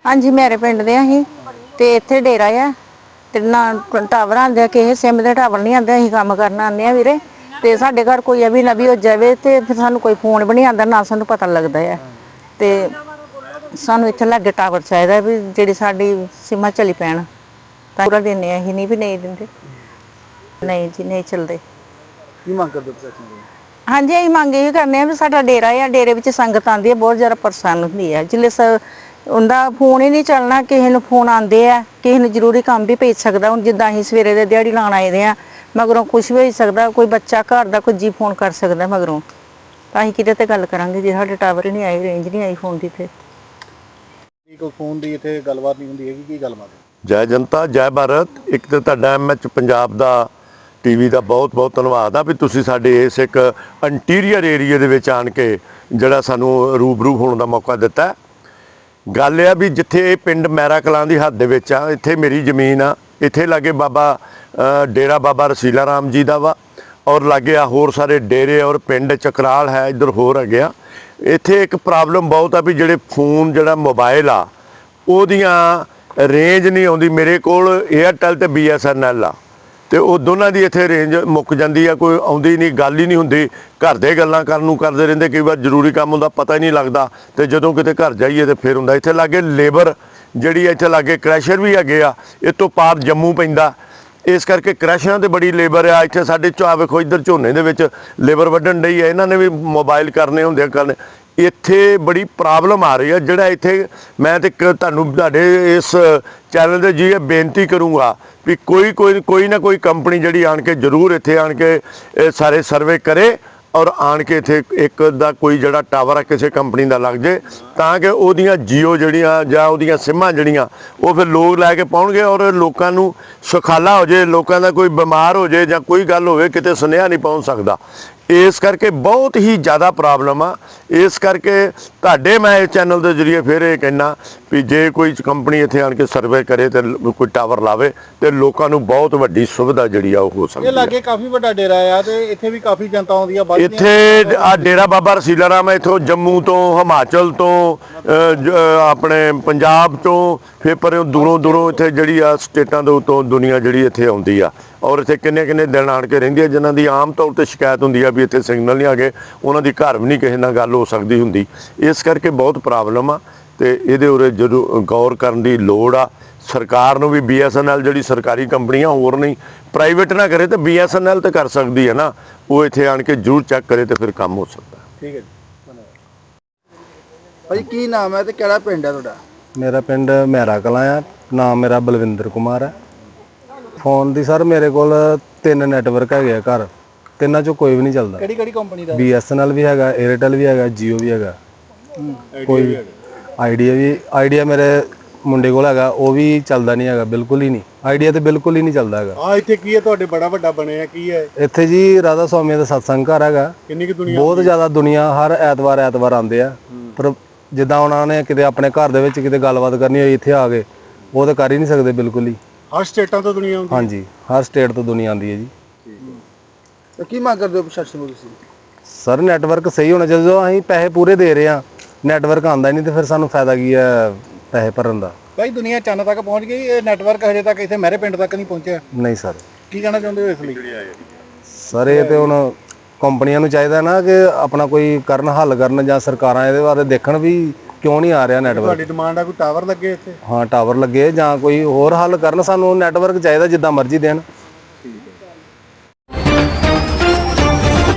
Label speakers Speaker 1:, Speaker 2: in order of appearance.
Speaker 1: हाँ जी मेरे पिंड दे असीं ते इत्थे डेरा आ ते ना टावर आंदे आ किसे सिम दे टावर नहीं आंदे असीं कम्म करन आने आ वीरे ते साडे घर कोई अभी नबी हो जावे ते फिर सानूं कोई फोन भी नहीं आंदा ना सानूं पता लगदा है ते सानूं इत्थे लागे टावर चाहिदा भी जेह्ड़ी साडी सिमां चली पैण तां पूरा दिन्ने असीं नहीं भी नहीं दिंदे नहीं जी नहीं चलदे।
Speaker 2: की मंग करदे प्रशासन कोल?
Speaker 1: हाँ जी असीं मंग इही करने आ भी साडा डेरा आ डेरे विच संगत आंदी है बहुत ज़्यादा परेशान हुंदी है जिल्ले उंदा फोन ही नहीं चलना किसे नूं फोन आंदे आ किसे नूं जरूरी कम्म भी पेई सकदा हुण जिद्दां असीं सवेरे दे दिहाड़ी लाण आए दे आ मगरों कुछ भी होई सकदा कोई बच्चा घर दा कोई जी फोन कर सकदा मगरों तां असीं किहदे ते गल्ल करांगे जे साडे टावर ही नहीं आई रेंज नहीं आई फोन दी ते
Speaker 2: कोई फोन ਦੀ ਇੱਥੇ ਗੱਲਬਾਤ ਨਹੀਂ ਹੁੰਦੀ ਹੈਗੀ ਕੀ ਗੱਲਬਾਤ ਹੈ?
Speaker 3: ਜੈ ਜਨਤਾ ਜੈ ਭਾਰਤ। ਇੱਕ ਤਾਂ ਤੁਹਾਡਾ MH ਪੰਜਾਬ ਦਾ ਟੀਵੀ ਦਾ ਬਹੁਤ ਬਹੁਤ ਧੰਨਵਾਦ ਆ ਵੀ ਤੁਸੀਂ ਸਾਡੇ ਇਸ ਇੱਕ ਇੰਟੀਰੀਅਰ ਏਰੀਆ ਦੇ ਵਿੱਚ ਆਣ ਕੇ ਜਿਹੜਾ ਸਾਨੂੰ ਰੂਬਰੂ ਹੋਣ ਦਾ ਮੌਕਾ ਦਿੱਤਾ। ਗੱਲ ਇਹ ਆ ਵੀ ਜਿੱਥੇ ਇਹ ਪਿੰਡ ਮੈਰਾ ਕਲਾਂ ਦੀ ਹੱਦ ਦੇ ਵਿੱਚ ਆ ਇੱਥੇ ਮੇਰੀ ਜ਼ਮੀਨ ਆ ਇੱਥੇ ਲਾਗੇ ਬਾਬਾ ਡੇਰਾ ਬਾਬਾ ਰਸੀਲਾ ਰਾਮ ਜੀ ਦਾ ਵਾ ਔਰ ਲਾਗੇ ਆ ਹੋਰ ਸਾਰੇ ਡੇਰੇ ਔਰ ਪਿੰਡ ਚਕਰਾਲ ਹੈ ਇੱਧਰ ਹੋਰ ਹੈਗੇ ਆ। ਇੱਥੇ ਇੱਕ ਪ੍ਰੋਬਲਮ ਬਹੁਤ ਆ ਵੀ ਜਿਹੜੇ ਫੋਨ ਜਿਹੜਾ ਮੋਬਾਈਲ ਆ ਉਹਦੀਆਂ ਰੇਂਜ ਨਹੀਂ ਆਉਂਦੀ। ਮੇਰੇ ਕੋਲ ਏਅਰਟੈਲ ਤੇ BSNL ਆ ਤੇ ਉਹ ਦੋਨਾਂ ਦੀ ਇੱਥੇ ਰੇਂਜ ਮੁੱਕ ਜਾਂਦੀ ਆ ਕੋਈ ਆਉਂਦੀ ਨਹੀਂ ਗੱਲ ਹੀ ਨਹੀਂ ਹੁੰਦੀ। ਘਰ ਦੇ ਗੱਲਾਂ ਕਰਨ ਨੂੰ ਕਰਦੇ ਰਹਿੰਦੇ ਕਈ ਵਾਰ ਜ਼ਰੂਰੀ ਕੰਮ ਹੁੰਦਾ ਪਤਾ ਹੀ ਨਹੀਂ ਲੱਗਦਾ ਤੇ ਜਦੋਂ ਕਿਤੇ ਘਰ ਜਾਈਏ ਤੇ ਫਿਰ ਹੁੰਦਾ। ਇੱਥੇ ਲਾਗੇ ਲੇਬਰ ਜਿਹੜੀ ਇੱਥੇ ਲਾਗੇ ਕ੍ਰੈਸ਼ਰ ਵੀ ਹੈਗੇ ਆ ਇਹ ਤੋਂ ਪਾਰ ਜੰਮੂ ਪੈਂਦਾ ਇਸ ਕਰਕੇ ਕ੍ਰੈਸ਼ਰਾਂ ਤੇ ਬੜੀ ਲੇਬਰ ਆ ਇੱਥੇ ਸਾਡੇ ਵੇਖੋ ਇੱਧਰ ਝੋਨੇ ਦੇ ਵਿੱਚ ਲੇਬਰ ਵੱਢਣ ਡਈ ਆ ਇਹਨਾਂ ਨੇ ਵੀ ਮੋਬਾਈਲ ਕਰਨੇ ਹੁੰਦੇ ਆ ਕਰਨੇ। ਇੱਥੇ ਬੜੀ ਪ੍ਰੋਬਲਮ ਆ ਰਹੀ ਆ ਜਿਹੜਾ ਇੱਥੇ ਮੈਂ ਤੇ ਤੁਹਾਨੂੰ ਤੁਹਾਡੇ ਇਸ ਚੈਨਲ ਦੇ ਜੀ ਬੇਨਤੀ ਕਰੂੰਗਾ ਵੀ ਕੋਈ ਨਾ ਕੋਈ ਕੰਪਨੀ ਜਿਹੜੀ ਆਣ ਕੇ ਜ਼ਰੂਰ ਇੱਥੇ ਆਣ ਕੇ ਇਹ ਸਾਰੇ ਸਰਵੇ ਕਰੇ ਔਰ ਆਣ ਕੇ ਇੱਥੇ ਇੱਕ ਦਾ ਕੋਈ ਜਿਹੜਾ ਟਾਵਰ ਆ ਕਿਸੇ ਕੰਪਨੀ ਦਾ ਲੱਗ ਜੇ ਤਾਂ ਕਿ ਉਹਦੀਆਂ ਜੀਓ ਜਿਹੜੀਆਂ ਜਾਂ ਉਹਦੀਆਂ ਸਿਮਾਂ ਜਿਹੜੀਆਂ ਉਹ ਫਿਰ ਲੋਕ ਲੈ ਕੇ ਪਾਉਣਗੇ ਔਰ ਲੋਕਾਂ ਨੂੰ ਸੁਖਾਲਾ ਹੋ ਜੇ ਲੋਕਾਂ ਦਾ ਕੋਈ ਬਿਮਾਰ ਹੋ ਜੇ ਜਾਂ ਕੋਈ ਗੱਲ ਹੋਵੇ ਕਿਤੇ ਸੁਨੇਹਾ ਨਹੀਂ ਪਹੁੰਚ ਸਕਦਾ। ਇਸ ਕਰਕੇ ਬਹੁਤ ਹੀ ਜ਼ਿਆਦਾ ਪ੍ਰੋਬਲਮ ਆ। ਇਸ ਕਰਕੇ ਤੁਹਾਡੇ ਮੈਂ ਇਸ ਚੈਨਲ ਦੇ ਜ਼ਰੀਏ ਫਿਰ ਇਹ ਕਹਿਣਾ ਵੀ ਜੇ ਕੋਈ ਕੰਪਨੀ ਇੱਥੇ ਆਣ ਕੇ ਸਰਵੇ ਕਰੇ ਤੇ ਕੋਈ ਟਾਵਰ ਲਾਵੇ ਤੇ ਲੋਕਾਂ ਨੂੰ ਬਹੁਤ ਵੱਡੀ ਸੁਵਿਧਾ ਜਿਹੜੀ ਆ ਉਹ ਹੋ ਸਕਦੀ ਹੈ।
Speaker 2: ਇਹ ਲਾਗੇ ਕਾਫੀ ਵੱਡਾ ਡੇਰਾ ਆ ਤੇ ਇੱਥੇ ਵੀ ਕਾਫੀ ਜਨਤਾ ਆਉਂਦੀ ਆ।
Speaker 3: ਇੱਥੇ ਆ ਡੇਰਾ ਬਾਬਾ ਰਸੀਲਾ ਰਾਮ ਇੱਥੋਂ ਜੰਮੂ ਤੋਂ ਹਿਮਾਚਲ ਤੋਂ ਆਪਣੇ ਪੰਜਾਬ ਤੋਂ ਫਿਰ ਪਰ ਦੂਰੋਂ ਇੱਥੇ ਜਿਹੜੀ ਆ ਸਟੇਟਾਂ ਦੇ ਉੱਤੋਂ ਦੁਨੀਆ ਜਿਹੜੀ ਇੱਥੇ ਆਉਂਦੀ ਆ ਔਰ ਇੱਥੇ ਕਿੰਨੇ ਦਿਨ ਆਣ ਕੇ ਰਹਿੰਦੀ ਆ ਜਿਨ੍ਹਾਂ ਦੀ ਆਮ ਤੌਰ 'ਤੇ ਸ਼ਿਕਾਇਤ ਹੁੰਦੀ ਆ ਵੀ ਇੱਥੇ ਸਿਗਨਲ ਨਹੀਂ ਆ ਗਏ ਉਹਨਾਂ ਦੀ ਘਰ ਵੀ ਨਹੀਂ ਕਿਸੇ ਨਾਲ ਗੱਲ ਹੋ ਸਕਦੀ ਹੁੰਦੀ। ਇਸ ਕਰਕੇ ਬਹੁਤ ਪ੍ਰੋਬਲਮ ਆ ਤੇ ਇਹਦੇ ਉਰੇ ਜਦੋਂ ਗੌਰ ਕਰਨ ਦੀ ਲੋੜ ਆ। ਸਰਕਾਰ ਨੂੰ ਵੀ BSNL ਜਿਹੜੀ ਸਰਕਾਰੀ ਕੰਪਨੀਆਂ ਹੋਰ ਨਹੀਂ ਪ੍ਰਾਈਵੇਟ ਨਾ ਕਰੇ ਤੇ BSNL ਤੇ ਕਰ ਸਕਦੀ ਹੈ ਨਾ ਉਹ ਇੱਥੇ ਆਣ ਕੇ ਜ਼ਰੂਰ ਚੈੱਕ ਕਰੇ ਤੇ ਫਿਰ ਕੰਮ ਹੋ ਸਕਦਾ।
Speaker 2: ਠੀਕ ਹੈ ਜੀ ਧੰਨਵਾਦ। ਭਾਈ ਕੀ ਨਾਮ ਹੈ ਤੇ ਕਿਹੜਾ ਪਿੰਡ ਹੈ ਤੁਹਾਡਾ?
Speaker 4: मेरा पिंड मैरा कलां आ, नाम मेरा बलविंदर कुमार है। फोन दी सर मेरे को 3 नैटवर्क है घर, तिना चो कोई भी नहीं चलता।
Speaker 2: ਕਿਹੜੀ ਕੰਪਨੀ ਦਾ?
Speaker 4: BSNL भी है, एयरटेल भी है, जियो भी है, कोई आइडिया मेरे मुंडे को है वो भी चलता नहीं है बिल्कुल ही नहीं। आइडिया तो बिल्कुल ही नहीं चलता है।
Speaker 2: ਆ ਇੱਥੇ ਕੀ ਹੈ ਤੁਹਾਡੇ ਬੜਾ ਵੱਡਾ ਬਣਿਆ ਕੀ ਹੈ
Speaker 4: ਇੱਥੇ ਜੀ राधा स्वामी ਦਾ सत्संग घर है।
Speaker 2: ਕਿੰਨੀ ਕਿ ਦੁਨੀਆ
Speaker 4: बहुत ज़्यादा दुनिया हर ਐਤਵਾਰ आते हैं पर ਜਿੱਦਾਂ ਉਹਨਾਂ ਨੇ ਕਿਤੇ ਆਪਣੇ ਘਰ ਦੇ ਵਿੱਚ ਕਿਤੇ ਗੱਲਬਾਤ ਕਰਨੀ ਹੋਈ ਇੱਥੇ ਆ ਗਏ ਉਹ ਤਾਂ ਕਰ ਹੀ ਨਹੀਂ ਸਕਦੇ ਬਿਲਕੁਲ ਹੀ।
Speaker 2: ਹਰ ਸਟੇਟਾਂ ਤੋਂ ਦੁਨੀਆ ਆਉਂਦੀ?
Speaker 4: ਹਾਂਜੀ ਹਰ ਸਟੇਟ ਤੋਂ ਦੁਨੀਆ ਆਉਂਦੀ ਹੈ ਜੀ।
Speaker 2: ਤੇ ਕੀ ਮੰਗ ਕਰਦੇ ਹੋ ਪ੍ਰਸ਼ਾਸਨ ਨੂੰ ਤੁਸੀਂ?
Speaker 4: ਸਰ ਨੈਟਵਰਕ ਸਹੀ ਹੋਣਾ ਚਾਹੀਦਾ। ਜਦੋਂ ਅਸੀਂ ਪੈਸੇ ਪੂਰੇ ਦੇ ਰਹੇ ਹਾਂ ਨੈਟਵਰਕ ਆਉਂਦਾ ਹੀ ਨਹੀਂ ਤੇ ਫਿਰ ਸਾਨੂੰ ਫਾਇਦਾ ਕੀ ਹੈ ਪੈਸੇ ਭਰਨ ਦਾ।
Speaker 2: ਭਾਈ ਦੁਨੀਆ ਚੰਨ ਤੱਕ ਪਹੁੰਚ ਗਈ ਇਹ ਨੈਟਵਰਕ ਹਜੇ ਤੱਕ ਇੱਥੇ ਮੇਰੇ ਪਿੰਡ ਤੱਕ ਨਹੀਂ ਪਹੁੰਚਿਆ।
Speaker 4: ਨਹੀਂ ਸਰ।
Speaker 2: ਕੀ ਕਹਿਣਾ ਚਾਹੁੰਦੇ ਹੋ ਇਸ ਲਈ?
Speaker 4: ਸਰ ਇਹ ਤੇ ਹੁਣ ਕੰਪਨੀਆਂ ਨੂੰ ਚਾਹੀਦਾ ਨਾ ਕਿ ਆਪਣਾ ਕੋਈ ਕਰਨ ਹੱਲ ਕਰਨ ਜਾਂ ਸਰਕਾਰਾਂ ਇਹਦੇ ਬਾਰੇ ਦੇਖਣ ਵੀ ਕਿਉਂ ਨਹੀਂ ਆ ਰਿਹਾ ਨੈਟਵਰਕ।
Speaker 2: ਤੁਹਾਡੀ ਡਿਮਾਂਡ ਆ ਕੋਈ ਟਾਵਰ ਲੱਗੇ ਇੱਥੇ?
Speaker 4: ਹਾਂ ਟਾਵਰ ਲੱਗੇ ਜਾਂ ਕੋਈ ਹੋਰ ਹੱਲ ਕਰਨ। ਸਾਨੂੰ ਨੈਟਵਰਕ ਚਾਹੀਦਾ ਜਿੱਦਾਂ ਮਰਜ਼ੀ ਦੇਣ।